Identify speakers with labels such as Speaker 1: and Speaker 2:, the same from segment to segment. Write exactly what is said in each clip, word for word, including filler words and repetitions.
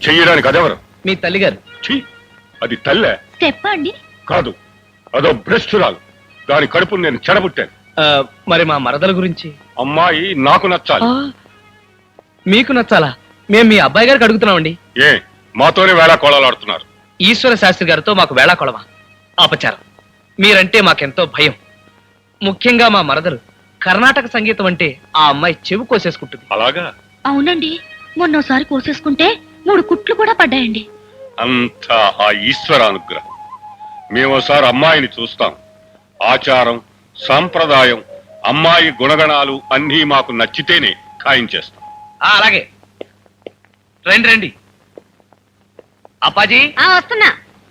Speaker 1: చెయ్యడానికి అదెవరు?
Speaker 2: మీ తల్లిగారు.
Speaker 1: ఛీ, అది తల్లే
Speaker 3: చెప్పండి.
Speaker 1: కాదు, అదో భ్రష్టురాలు. దాని కడుపు నేను చెడబుట్టాను.
Speaker 2: మరి మా మరదల గురించి?
Speaker 1: అమ్మాయి నాకు నచ్చాలి.
Speaker 2: మీకు నచ్చాలా? మేము మీ అబ్బాయి గారికి అడుగుతున్నామండి.
Speaker 1: ఏ మాతోనే వేళా కోళాలాడుతున్నారు?
Speaker 2: ఈశ్వర శాస్త్రి గారితో మాకు వేళా కొలవా, అపచారం. మీరంటే మాకెంతో భయం. ముఖ్యంగా మా మరదలు కర్ణాటక సంగీతం అంటే ఆ అమ్మాయి చెవి కోసేసుకుంటుంది.
Speaker 1: అలాగా?
Speaker 3: అవునండి, మొన్నోసారి కోసేసుకుంటే మూడు కుట్లు కూడా పడ్డాయండి.
Speaker 1: అంతా ఆ ఈశ్వర అనుగ్రహం. మేమోసారి అమ్మాయిని చూస్తాం. ఆచారం, సాంప్రదాయం, అమ్మాయి గుణగణాలు అన్నీ మాకు నచ్చితేనే ఖాయం చేస్తాం.
Speaker 2: అలాగే రండి రండి. అప్పాజీ
Speaker 3: వస్తున్నా.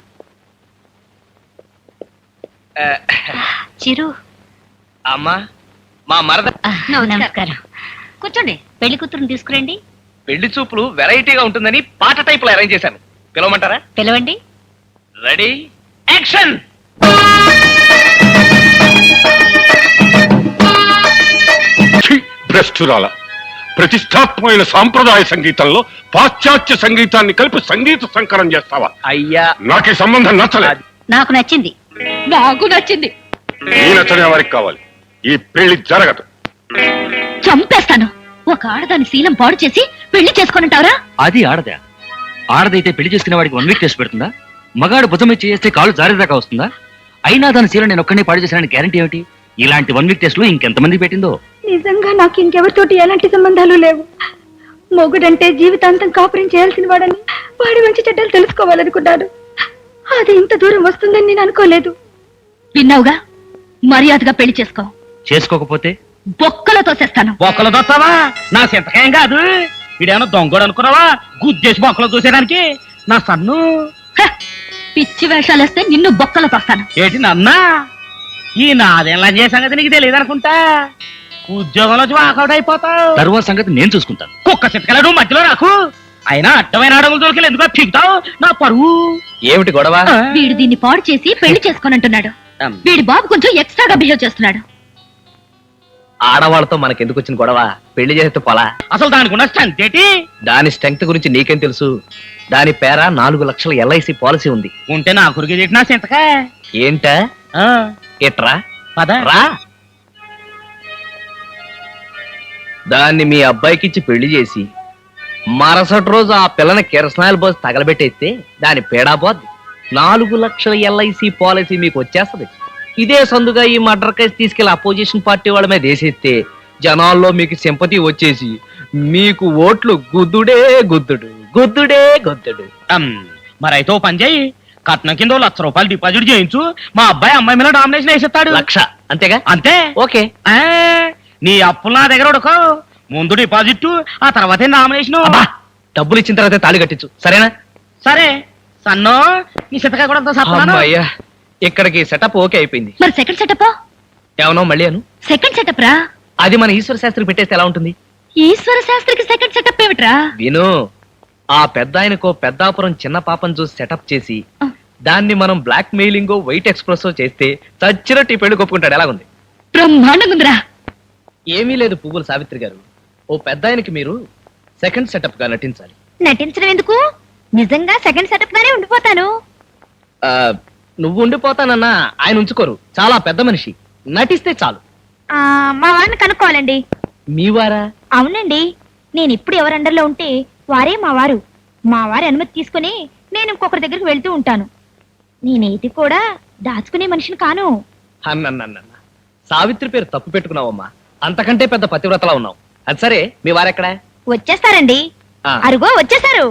Speaker 3: చిరు.
Speaker 2: అమ్మా, మా మరద.
Speaker 3: నమస్కారం. కూర్చోండి. పెళ్లి కూతురుని తీసుకురండి.
Speaker 2: పెళ్లి చూపులు వెరైటీగా ఉంటుందని పాట టైప్ లో అరేంజ్ చేశాను. పిలవమంటారా?
Speaker 3: పిలవండి.
Speaker 2: Ready, action.
Speaker 1: భ్రష్టురాల ప్రతిష్టాత్మకమైన సాంప్రదాయ సంగీతంలో పాశ్చాత్య సంగీతాన్ని కలిపి సంగీత సంకరం చేస్తావా?
Speaker 2: అయ్యా,
Speaker 1: నాకు ఈ సంబంధం నచ్చలేదు.
Speaker 3: నాకు నచ్చింది. నాకు నచ్చింది.
Speaker 1: నీ నచ్చని ఎవరికి కావాలి? ఈ పెళ్లి జరగదు.
Speaker 3: చంపేస్తాను. ఒక ఆడదాని శీలం పాడు చేసి పెళ్లి చేసుకునింటావరా?
Speaker 4: అది ఆడదా? ఆడదైతే పెళ్లి చేసుకునే వాడికి వన్ వీక్ టెస్ట్ పెడుతుందా? మగాడు భుజం మీద చేస్తే కాళ్ళు జారేదాకా వస్తుందా? అయినా దాని శీలం నేను ఒక్కనే పాడు చేసిన గ్యారంటీ ఏమిటి? ఇలాంటి వన్ వీక్ టెస్ట్ లో ఇంకెంతమంది పెట్టిందో.
Speaker 5: నిజంగా నాకు ఇంకెవరితోటి ఎలాంటి సంబంధాలు లేవు. మొగుడంటే జీవితాంతం కాపురం చేయాల్సిన వాడని, వాడి మంచి చెడ్డలు తెలుసుకోవాలనుకున్నాడు. అది ఇంత దూరం వస్తుందని నేను అనుకోలేదు.
Speaker 3: విన్నావుగా, మర్యాదగా పెళ్లి చేసుకో.
Speaker 4: చేసుకోకపోతే
Speaker 3: బొక్కలో తోసేస్తాను.
Speaker 2: బొక్కలు దొస్తావా? నా సింతకాయం కాదు. వీడేమన్నా దొంగడు అనుకున్నావా? గుద్దేసి బొక్కలు దూసేయడానికి? నా సన్ను
Speaker 3: హ! పిచ్చి వేషాలేస్తే నిన్ను బొక్కలో తోస్తాను.
Speaker 2: ఏంటి నన్నా? ఈ నాదేలా చేసంగతి నీకు తెలియదు అనుకుంటా. ఉద్యోగంలో వాకౌట్ అయిపోతావు.
Speaker 4: తరువాత సంగతి నేను చూసుకుంటాను.
Speaker 2: కుక్క చిత్తకలడు మధ్యలో రాకు. అయినా అడ్డమైన అడుగులు దొరికి ఎందుకు పీకుతావు? నా పరువు ఏమిటి గొడవ?
Speaker 3: వీడు దీన్ని పాడు చేసి పెళ్లి చేసుకోనంటున్నాడు. వీడి బాబు కొంచెం ఎక్స్ట్రాగా బిహేవ్ చేస్తున్నాడు.
Speaker 2: ఆడవాళ్ళతో మనకెందుకు వచ్చిన గొడవ? పెళ్లి చేస్తే పోలా. అసలు దానికి ఉన్న స్ట్రెంత్ ఏంటి? దాని స్ట్రెంగ్త్ గురించి నీకేం తెలుసు? దాని పేర నాలుగు లక్షల ఎల్ఐసి పాలసీ ఉంది. ఉంటే నా కురికి నా సింతక ఏంటా? ఎట్రా రా. దాన్ని మీ అబ్బాయికిచ్చి పెళ్లి చేసి మరుసటి రోజు ఆ పిల్లని కిరసనాయలు పోసి తగలబెట్టేస్తే దాని పేడా పోద్ది. నాలుగు లక్షల ఎల్ఐసి పాలసీ మీకు వచ్చేస్తది. ఇదే సందుగా ఈ మర్డర్ కేసు తీసుకెళ్లి అపోజిషన్ పార్టీ వాళ్ళ మీద వేసేస్తే జనాల్లో మీకు సింపతి వచ్చేసి మీకు ఓట్లు గుద్దుడే గుద్దుడు గుద్దుడే గుద్దుడు. మరైతే పని చేయి, కట్నం కింద లక్ష రూపాయలు డిపాజిట్ చేయించు. మా అబ్బాయి అమ్మాయి మీద డామినేషన్ వేసేస్తాడు. లక్ష అంతేగా? అంతే. ఓకే. నీ అప్పులు నా దగ్గర ఉడకో. ముందు డిపాజిట్, ఆ తర్వాతే నామినేషన్. డబ్బులు ఇచ్చిన తర్వాత తాళి కట్టించు, సరేనా? సరే సన్నో. నీ సితకాయ కూడా అయ్యా. ఇక్కడికి సెటప్ ఓకే అయిపోయింది.
Speaker 3: మరి సెకండ్ సెటప్
Speaker 2: ఏమన్నా మళ్ళీ అను.
Speaker 3: సెకండ్ సెటప్ రా.
Speaker 2: అది మన ఈశ్వర శాస్త్రికి పెట్టేస్తే ఎలా ఉంటుంది?
Speaker 3: ఈశ్వర శాస్త్రికి సెకండ్ సెటప్ ఏమిట్రా?
Speaker 2: విను. ఆ పెద్ద ఆయనకో పెద్దాపురం చిన్న పాపం చూసి సెటప్ చేసి దాన్ని మనం బ్లాక్ మెయిలింగో వైట్ ఎక్స్ప్రెస్ చేస్తే చచ్చినట్టు పెళ్లి కొప్పుకుంటాడు. ఎలాగుంది?
Speaker 3: బ్రహ్మాండంగా ఉందిరా.
Speaker 2: ఏమీ లేదు పువ్వుల సావిత్రి గారు. ఓ పెద్ద ఆయనకి మీరు సెకండ్ సెటప్ గా నటించాలి.
Speaker 3: నటించడం ఎందుకు? నిజంగా సెకండ్ సెటప్ గానే ఉండిపోతాను.
Speaker 2: నువ్వు ఉండిపోతానన్నా ఆయన ఉంచుకోరు. చాలా పెద్ద మనిషి. నటిస్తే చాలు.
Speaker 3: మా వారిని కనుక్కోవాలండి.
Speaker 2: మీ వారా?
Speaker 3: అవునండి. నేను ఇప్పుడు ఎవరి అండర్లో ఉంటే వారే మా వారు. మా వారి అనుమతి తీసుకుని నేను ఇంకొకరి దగ్గరికి వెళ్తూ ఉంటాను. నేనేది కూడా దాచుకునే మనిషిని కాను.
Speaker 2: అన్నన్న సావిత్రి పేరు తప్పు పెట్టుకున్నావమ్మా. అంతకంటే పెద్ద పతివ్రతలా ఉన్నావు. అది సరే, మీ వారెక్కడా?
Speaker 3: వచ్చేస్తారండి. అరుగో వచ్చేసారు.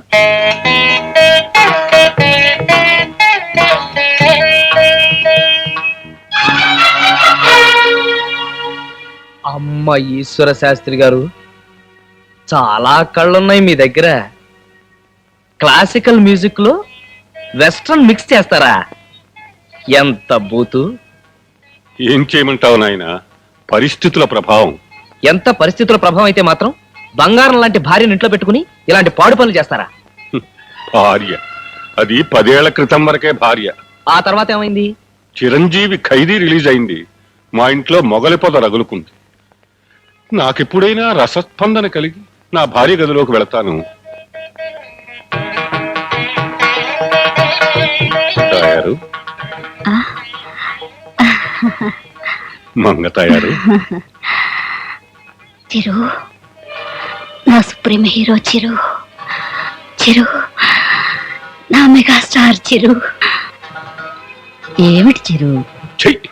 Speaker 2: అమ్మ ఈశ్వర శాస్త్రి గారు, చాలా కళ్ళున్నాయి మీ దగ్గర. క్లాసికల్ మ్యూజిక్ లో వెస్ట్రన్ మిక్స్ చేస్తారా? ఎంత బూతు.
Speaker 1: ఏం చేయమంటావు నాయన? పరిస్థితుల ప్రభావం.
Speaker 2: ఎంత పరిస్థితుల ప్రభావం అయితే మాత్రం బంగారం లాంటి భార్యను ఇంట్లో పెట్టుకుని ఇలాంటి పాడు పనులు చేస్తారా?
Speaker 1: భార్య అది పదేళ్ల క్రితం వరకే భార్య.
Speaker 2: ఆ తర్వాత ఏమైంది?
Speaker 1: చిరంజీవి ఖైదీ రిలీజ్ అయింది. మా ఇంట్లో మొగలి పొద రగులుకుంది. నాకెప్పుడైనా రసస్పందన కలిగి నా భార్య గదిలోకి వెళతాను. మంగ తయారు.
Speaker 5: చిరు, నా సుప్రీం హీరో చిరు, చిరు, నా మెగాస్టార్ చిరు. ఏమిటి చిరు?
Speaker 1: చెయ్యి.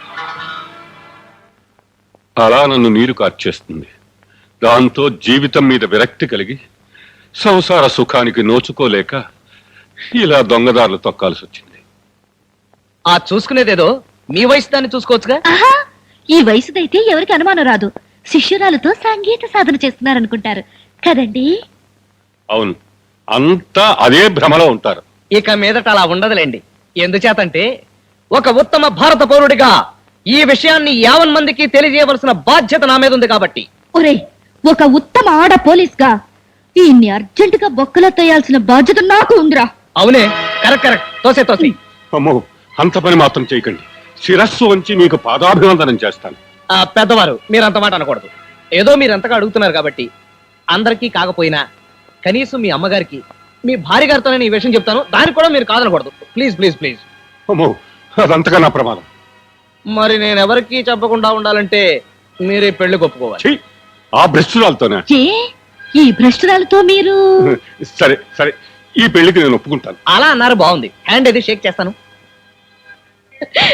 Speaker 1: అలా నన్ను నీరు కార్చేస్తుంది. దాంతో జీవితం మీద విరక్తి కలిగి సంసార సుఖానికి నోచుకోలేక ఇలా దొంగదారులు తొక్కాల్సి వచ్చింది.
Speaker 2: ఆ చూసుకునేదేదో మీ వయసు దాన్ని చూసుకోవచ్చుగా.
Speaker 3: ఆహా, ఈ వయసుదైతే ఎవరికి అనుమానం రాదు. శిష్యురాలతో సంగీత సాధన చేస్తున్నారనుకుంటారు కదండి.
Speaker 1: అవును, అంతా అదే భ్రమలో ఉంటారు.
Speaker 2: ఇక మీదట అలా ఉండదులేండి. ఎందుచేతంటే ఒక ఉత్తమ భారత పౌరుడిగా ఈ విషయాన్ని యావన్ మందికి తెలియజేయవలసిన బాధ్యత నా మీద ఉంది కాబట్టి.
Speaker 3: ఒరే, ఒక ఉత్తమ ఆడ పోలీస్ గా ఈయన్ని అర్జెంట్ గా బొక్కలో తేయాల్సిన బాధ్యత నాకు ఉందిరా.
Speaker 2: అవునే, కరెక్ట్ కరెక్ట్, తోసే తోసి.
Speaker 1: అమ్మో, అంత పని మాత్రం చేయకండి. శిరస్సు వంచి మీకు పాదాభివందనం చేస్తాను.
Speaker 2: ఆ పెద్దవారు మీరు అంత మాట అనకూడదు. ఏదో మీరు ఎంతగా అడుగుతున్నారు కాబట్టి అందరికీ కాకపోయినా కనీసం మీ అమ్మగారికి, మీ భార్య గారితో నేను ఈ విషయం చెప్తాను. దానికి కూడా మీరు కాదనకూడదు. Please please please.
Speaker 1: అమ్మో, అదంతగా నా ప్రమాదం.
Speaker 2: మరి నేను ఎవరికి చెప్పకుండా ఉండాలంటే మీరే పెళ్లి ఒప్పుకోవాలి.
Speaker 1: చెయ్యి. ఆ భ్రష్టురాలతోనే.
Speaker 3: ఏ ఈ భ్రష్టురాలతో మీరు
Speaker 1: సరే సరే, ఈ పెళ్లికి నేను ఒప్పుకుంటాను.
Speaker 2: అలా అన్నారు, బాగుంది. హ్యాండ్ ఏది షేక్ చేస్తాను.